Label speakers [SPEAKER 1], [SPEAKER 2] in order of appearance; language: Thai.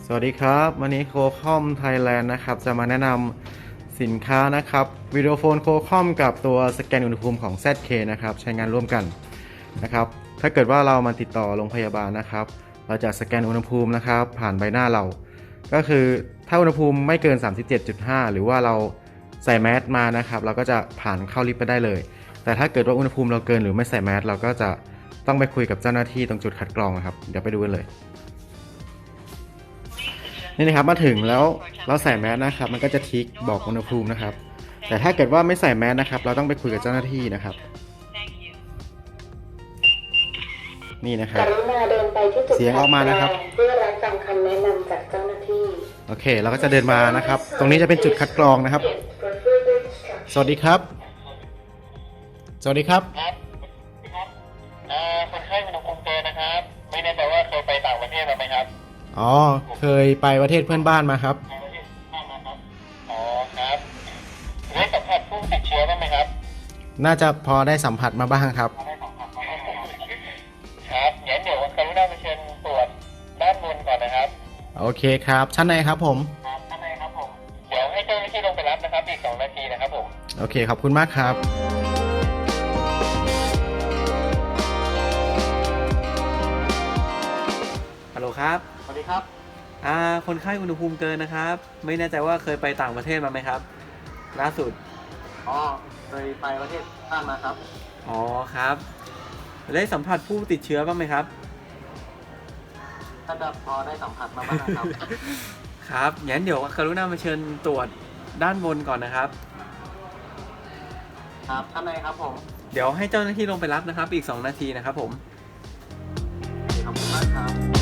[SPEAKER 1] สวัสดีครับวันนี้โคคอมไทยแลนด์นะครับจะมาแนะนำสินค้านะครับวิดีโอโฟนโคคอมกับตัวสแกนอุณหภูมิของ ZK นะครับใช้งานร่วมกันนะครับถ้าเกิดว่าเรามาติดต่อโรงพยาบาลนะครับเราจะสแกนอุณหภูมินะครับผ่านใบหน้าเราก็คือถ้าอุณหภูมิไม่เกิน 37.5 หรือว่าเราใส่แมสมานะครับเราก็จะผ่านเข้าลิฟต์ไปได้เลยแต่ถ้าเกิดว่าอุณหภูมิเราเกินหรือไม่ใส่แมสเราก็จะต้องไปคุยกับเจ้าหน้าที่ตรงจุดคัดกรองนะครับเดี๋ยวไปดูกันเลยนี่นะครับมาถึงแล้วเราใส่แมสนะครับมันก็จะทิกบอกอุณหภูมินะครับแต่ถ้าเกิดว่าไม่ใส่แมสนะครับเราต้องไปคุยกับเจ้าหน้าที่นะครับนี่นะครับ
[SPEAKER 2] กรุณาเดินไปที่จุด
[SPEAKER 1] เสียงออกมานะครับ
[SPEAKER 2] เพื่อรับฟังคำแนะนำจากเจ้าหน้าที่
[SPEAKER 1] โอเคเราก็จะเดินมานะครับตรงนี้จะเป็นจุดคัดกรองนะครับสวัสดีครับสวัสดีครับ
[SPEAKER 3] ครับคนไข้อุณหภูมิเกินนะครับไม่แน่ใจว่าเคยไปต่างประเทศมาไหมครับ
[SPEAKER 1] อ๋อเคยไปประเทศเพื่อนบ้านมาครับ
[SPEAKER 3] อ๋อครับได้สัมผัสผู้ติดเชื้อบ้างไหมครับ
[SPEAKER 1] น่าจะพอได้สัมผัสมาบ้างครับ
[SPEAKER 3] ครับงั้นเดี๋ยวกรุณาไปเชิญตรวจด้านบนก่อนนะครับ
[SPEAKER 1] โอเคครับชั้นในครับผม
[SPEAKER 3] ด้านในครับผมเดี๋ยวให้เจ้าหน้าที่ลงไปรับนะครับอีก2 นาทีนะครับผม
[SPEAKER 1] โอเคขอบคุณมากครับ
[SPEAKER 4] ฮัลโหลครับ
[SPEAKER 3] สวัสดีครับ
[SPEAKER 4] คนไข้อุณหภูมิเกินนะครับ ไม่แน่ใจว่าเคยไปต่างประเทศมาไหมครับล่าสุด
[SPEAKER 3] อ๋อเคยไปประเทศต่างมาครับ
[SPEAKER 4] อ๋อครับได้สัมผัสผู้ติดเชื้อบ้างไหมครับ
[SPEAKER 3] ถ้าจะพอได้สัมผัสมาบ้างครับ
[SPEAKER 4] ครับงั้นเดี๋ยวกรุณามาเชิญตรวจด้านบนก่อนนะครับ
[SPEAKER 3] ครับท่านในครับผม
[SPEAKER 4] เดี๋ยวให้เจ้าหน้าที่ลงไปรับนะครับอีก2 นาทีนะครับผม
[SPEAKER 3] ขอบคุณมากครับ